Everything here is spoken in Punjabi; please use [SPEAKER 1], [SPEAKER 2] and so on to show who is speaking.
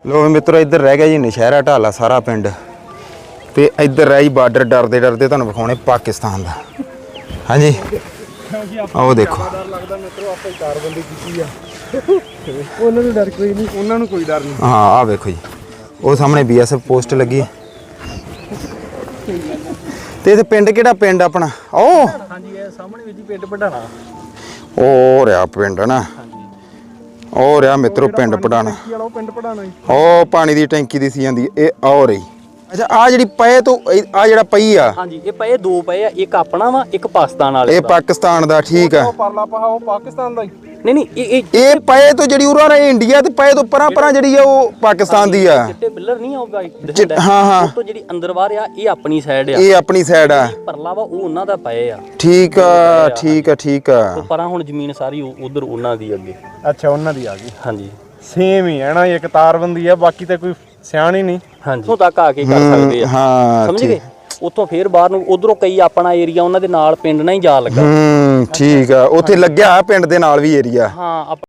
[SPEAKER 1] लो मित्रों इधर रह गया जी नशहरा ढाला सारा पिंड ते इधर रह जी बार्डर डरते डरते तुहानूं विखाउणे पाकिस्तान दा। हाँ जी आओ देखो हाँ आ देखो जी वो सामने BSF पोस्ट लगी ते इत्थे पिंड किहड़ा पिंड अपना ओ
[SPEAKER 2] हाँ जी ये सामने भी जी पिंड पढ़ाना
[SPEAKER 1] ओ रहा पिंड ना ओ रहा मित्रों पिंड पढ़ाना ओ पानी दी टैंकी दिसी जांदी ए आ रही। अच्छा आ जिहड़ी पए तो आ जिहड़ा पई आ
[SPEAKER 2] हाँ जी ये पए दो पए आ एक अपना वा एक पाकिस्तान वाले
[SPEAKER 1] ਇਹ ਪਾਕਿਸਤਾਨ ਦਾ ਠੀਕ ਆ
[SPEAKER 3] ਪਰਲਾ ਪਹਾ ਉਹ ਪਾਕਿਸਤਾਨ ਦਾ ਹੀ।
[SPEAKER 2] नहीं नहीं ये
[SPEAKER 1] ਇਹ ਪਏ ਤੋਂ ਜਿਹੜੀ ਉਰਾਂ ਨੇ ਇੰਡੀਆ ਤੇ ਪਏ ਤੋਂ ਪਰਾਂ ਪਰਾਂ ਜਿਹੜੀ ਆ ਉਹ ਪਾਕਿस्तान ਦੀ ਆ
[SPEAKER 2] चिट्टे बिल्लर नहीं आ भाई
[SPEAKER 1] ਚਿੱਟ- ਹਾਂ ਹਾਂ
[SPEAKER 2] तो ਜਿਹੜੀ ਅੰਦਰ ਬਾਹਰ ਆ ਇਹ ਆਪਣੀ ਸਾਈਡ ਆ
[SPEAKER 1] ਇਹ ਆਪਣੀ ਸਾਈਡ ਆ
[SPEAKER 2] ਪਰਲਾ ਵਾ ਉਹ ਉਹਨਾਂ ਦਾ ਪਏ ਆ
[SPEAKER 1] ਠੀਕ ਆ ਠੀਕ ਆ ਠੀਕ ਆ
[SPEAKER 2] ਤੇ ਪਰਾਂ ਹੁਣ ਜ਼ਮੀਨ ਸਾਰੀ ਉਧਰ ਉਹਨਾਂ ਦੀ ਅੱਗੇ
[SPEAKER 3] ਅੱਛਾ ਉਹਨਾਂ ਦੀ ਆ ਗਈ
[SPEAKER 2] ਹਾਂਜੀ
[SPEAKER 3] ਸੇਮ ਹੀ ਹੈ ਨਾ ਇੱਕ ਤਾਰਬੰਦੀ ਆ ਬਾਕੀ ਤਾਂ ਕੋਈ ਸਿਆਣੀ ਨਹੀਂ।
[SPEAKER 2] ਹਾਂਜੀ ਉੱਥੋਂ ਤੱਕ ਆ ਕੇ ਕਰ ਸਕਦੇ ਆ
[SPEAKER 1] ਹਾਂ
[SPEAKER 2] ਸਮਝ ਗਏ ਉੱਥੋਂ ਫੇਰ ਬਾਹਰ ਨੂੰ ਉਧਰੋਂ ਕਈ ਆਪਣਾ ਏਰੀਆ ਉਹਨਾਂ ਦੇ ਨਾਲ ਪਿੰਡ ਨਾਲ ਹੀ ਜਾ ਲੱਗਾ
[SPEAKER 1] ਠੀਕ ਆ ਉੱਥੇ ਲੱਗਿਆ ਪਿੰਡ ਦੇ ਨਾਲ ਵੀ ਏਰੀਆ
[SPEAKER 2] ਹਾਂ